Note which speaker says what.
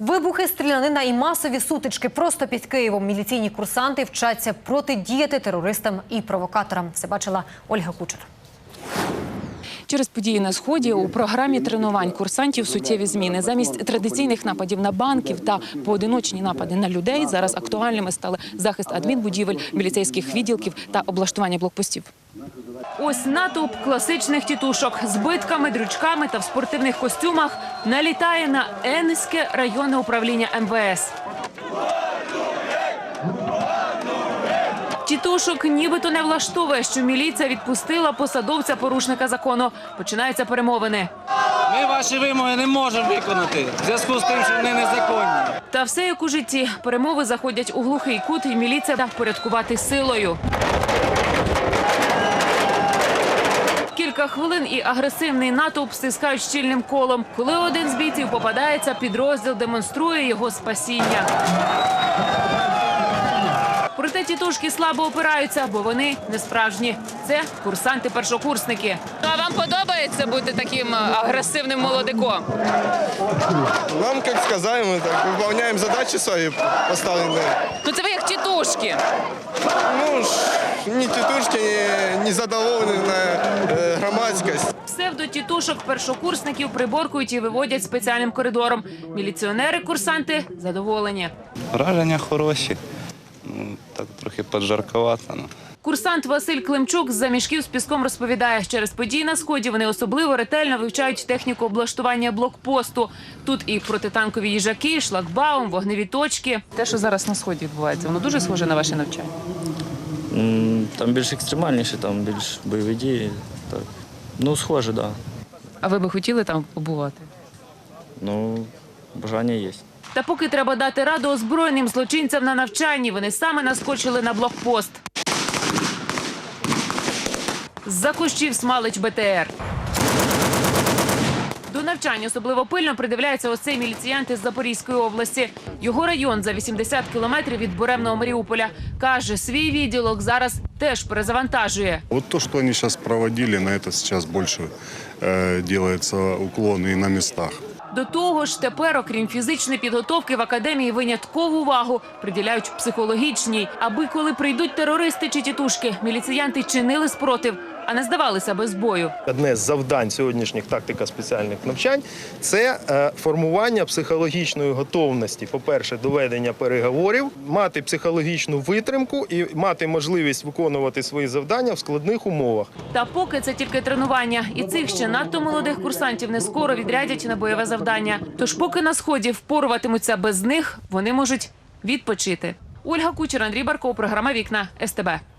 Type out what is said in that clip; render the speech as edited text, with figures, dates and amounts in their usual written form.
Speaker 1: Вибухи, стрілянина і масові сутички просто під Києвом. Міліційні курсанти вчаться протидіяти терористам і провокаторам. Це бачила Ольга Кучер.
Speaker 2: Через події на Сході у програмі тренувань курсантів суттєві зміни. Замість традиційних нападів на банків та поодиночні напади на людей зараз актуальними стали захист адмінбудівель, міліцейських відділків та облаштування блокпостів. Ось натовп класичних тітушок з битками, дрючками та в спортивних костюмах налітає на Енське районне управління МВС. Тітушок нібито не влаштовує, що міліція відпустила посадовця-порушника закону. Починаються перемовини.
Speaker 3: Ми ваші вимоги не можемо виконати в зв'язку з тим, що вони незаконні.
Speaker 2: Та все як у житті. Перемови заходять у глухий кут, і міліція та впорядкувати силою. Кілька хвилин і агресивний натовп стискають щільним колом. Коли один з бійців попадається, підрозділ демонструє його спасіння. Проте тітушки слабо опираються, бо вони не справжні. Це курсанти-першокурсники. А вам подобається бути таким агресивним молодиком?
Speaker 4: Нам, як сказали, ми так виконуємо задачі свої поставлені.
Speaker 2: Ну це ви як тітушки.
Speaker 4: Ну, ні тітушки, ні задоволені на громадськість.
Speaker 2: Псевдо-тітушок-першокурсників приборкують і виводять спеціальним коридором. Міліціонери-курсанти задоволені.
Speaker 5: Враження хороші. Так трохи поджарковато.
Speaker 2: Курсант Василь Климчук з-за мішків з піском розповідає, через події на Сході вони особливо ретельно вивчають техніку облаштування блокпосту. Тут і протитанкові їжаки, шлагбаум, вогневі точки. Те, що зараз на Сході відбувається, воно дуже схоже на ваше навчання?
Speaker 6: Там більш екстремальніше, там більш бойові дії. Так. Ну, схоже, так. Да.
Speaker 2: А ви би хотіли там побувати?
Speaker 6: Ну, бажання є.
Speaker 2: Та поки треба дати раду озброєним злочинцям на навчанні, вони саме наскочили на блокпост. З-за кущів смалить БТР. До навчання особливо пильно придивляється ось цей міліціянт із Запорізької області. Його район за 80 кілометрів від буремного Маріуполя. Каже, свій відділок зараз теж перезавантажує.
Speaker 7: Вот то, что они сейчас проводили, на это сейчас больше делается уклон и на местах.
Speaker 2: До того ж, тепер, окрім фізичної підготовки, в академії виняткову увагу приділяють психологічній. Аби коли прийдуть терористи чи тітушки, міліціянти чинили спротив, а не здавалися без бою.
Speaker 8: Одне з завдань сьогоднішніх тактико-спеціальних навчань – це формування психологічної готовності. По-перше, до ведення переговорів, мати психологічну витримку і мати можливість виконувати свої завдання в складних умовах.
Speaker 2: Та поки це тільки тренування. І цих ще надто молодих курсантів не скоро відрядять на бойове завдання. Тож поки на Сході впоруватимуться без них, вони можуть відпочити. Ольга Кучер, Андрій Барков, програма «Вікна», СТБ.